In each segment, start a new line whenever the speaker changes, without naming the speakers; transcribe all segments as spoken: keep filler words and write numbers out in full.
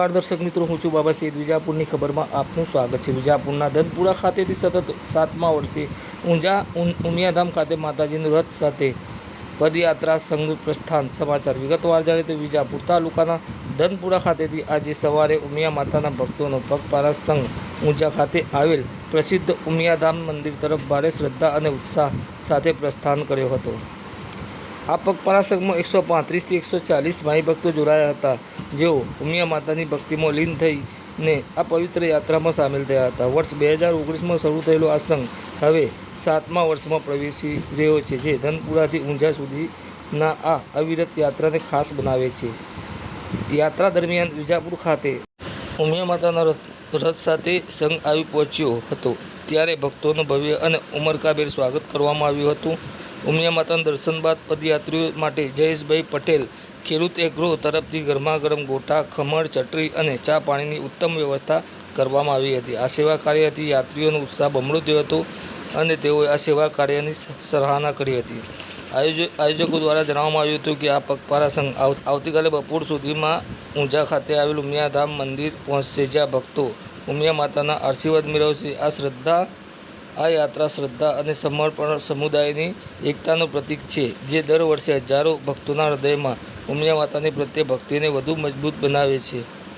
નમસ્કાર દર્શક મિત્રો, હું છું બાબા સૈયદ. વિજાપુરની ખબરમાં આપનું સ્વાગત છે. વિજાપુરના ધનપુરા ખાતેથી સતત સાતમા વર્ષે ઊંઝા ઉમિયાધામ ખાતે માતાજીનું રથ સાથે પદયાત્રા સંઘ પ્રસ્થાન. સમાચાર વિગતવાર જાણીએ તો વિજાપુર તાલુકાના ધનપુરા ખાતેથી આજે સવારે ઉમિયા માતાના ભક્તોનો પગપાળા સંઘ ઊંઝા ખાતે આવેલ પ્રસિદ્ધ ઉમિયાધામ મંદિર તરફ ભારે શ્રદ્ધા અને ઉત્સાહ સાથે પ્રસ્થાન કર્યો હતો. આ પગપાળા સંઘમાં એકસો પાંત્રીસથી એકસો ચાલીસ માઈ ભક્તો જોડાયા હતા, જેઓ ઉમિયા માતાની ભક્તિમાં લીન થઈને આ પવિત્ર યાત્રામાં સામેલ થયા હતા. વર્ષ બે હજાર ઓગણીસમાં શરૂ થયેલો આ સંઘ હવે સાતમા વર્ષમાં પ્રવેશી રહ્યો છે, જે ધનપુરાથી ઊંઝા સુધીના આ અવિરત યાત્રાને ખાસ બનાવે છે. યાત્રા દરમિયાન વિજાપુર ખાતે ઉમિયા માતાના રથ સાથે સંઘ આવી પહોંચ્યો હતો, ત્યારે ભક્તોનું ભવ્ય અને ઉમળકાભેર સ્વાગત કરવામાં આવ્યું હતું. ઉમિયા માતાના દર્શન બાદ પદયાત્રીઓ માટે જયેશભાઈ પટેલ ખેડૂત એગ્રો તરફથી ગરમા ગરમ ગોટા, ખમણ, ચટણી અને ચા પાણીની ઉત્તમ વ્યવસ્થા કરવામાં આવી હતી. આ સેવા કાર્યથી યાત્રીઓનો ઉત્સાહ બમણો થયો હતો અને તેઓએ આ સેવા કાર્યની સરાહના કરી હતી. આયોજકો દ્વારા જણાવવામાં આવ્યું હતું કે આ પગપાળા સંઘ આવતીકાલે બપોર સુધીમાં ઊંઝા ખાતે આવેલ ઉમિયાધામ મંદિર પહોંચશે, જ્યાં ભક્તો ઉમિયા માતાના આશીર્વાદ મેળવશે. આ શ્રદ્ધા આ યાત્રા શ્રદ્ધા અને સમર્પણ સમુદાયની એકતાનું પ્રતીક છે, જે દર વર્ષે હજારો ભક્તોના હૃદયમાં ઉમિયા માતાની પ્રત્યે ભક્તિને વધુ મજબૂત બનાવે છે.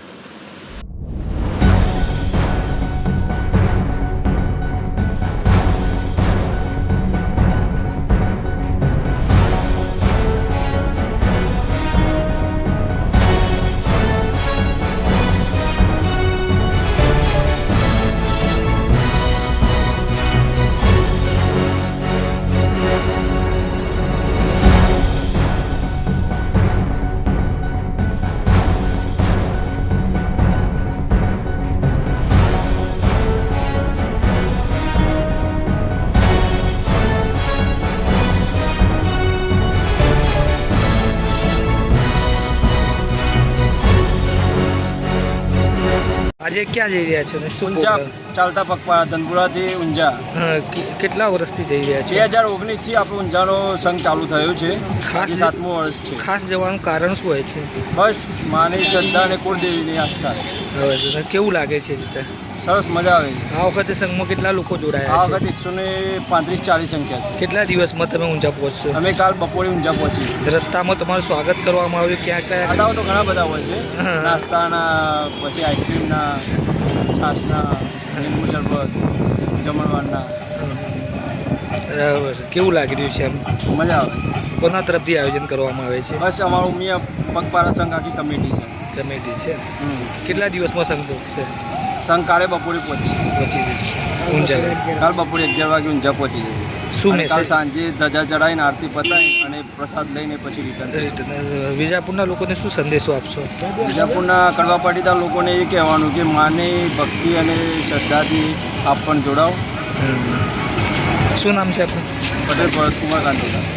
આજે ક્યાં જઈ રહ્યા છો ને શું
ઊંઝા ચાલતા પગપાળા ધનપુરાથી ઊંઝા?
હા, કેટલા વર્ષથી જઈ રહ્યા છો?
બે હજાર ઓગણીસથી આપણો ઊંઝાનો સંઘ ચાલુ થયો છે.
ખાસ
સાતમું વર્ષ છે.
ખાસ જવાનું કારણ શું હોય છે?
બસ માની શ્રદ્ધા અને કુળદેવીની આસ્થા.
હવે કેવું લાગે છે?
સરસ મજા આવે છે.
આ વખતે સંઘમાં કેટલા લોકો જોડાયા
આ
છે?
વખતે એકસો ને પાંત્રીસ ચાલીસ સંખ્યા છે.
કેટલા દિવસમાં તમે ઊંઝા પહોંચશો?
અમે કાલ બપોરે ઊંઝા પહોંચી.
રસ્તામાં તમારું સ્વાગત કરવામાં આવ્યું. ક્યાં કયા
ખાતાઓ તો ઘણા બધા હોય છે, નાસ્તાના, પછી આઈસ્ક્રીમના, છાશના, લીંબુ શરબત, જમણવારના.
બરાબર. કેવું લાગી રહ્યું છે? એમ
મજા આવે.
કોના તરફથી આયોજન કરવામાં આવે છે?
બસ અમારું ઉમિયા પગપાળા સંઘ આખી કમિટી છે.
કમિટી છે. કેટલા દિવસમાં સંઘ પહોંચશે?
સંઘ કાલે બપોરે પહોંચશે.
પહોંચી જશે ઊંઝા.
કાલ બપોરે અગિયાર વાગે ઊંઝા પહોંચી જશે.
શું
અને કાલ
મેસેજ?
સાંજે ધજા ચડાવીને આરતી પતાવી અને પ્રસાદ લઈને પછી રિટર્ન.
વિજાપુરના લોકોને શું સંદેશો આપશો?
વિજાપુરના કડવા પાટીદાર લોકોને એ કહેવાનું કે માની ભક્તિ અને શ્રદ્ધાથી આપ પણ જોડાઓ.
શું નામ છે આપનું?
પટેલ ભરત કુમાર કાંતોદા.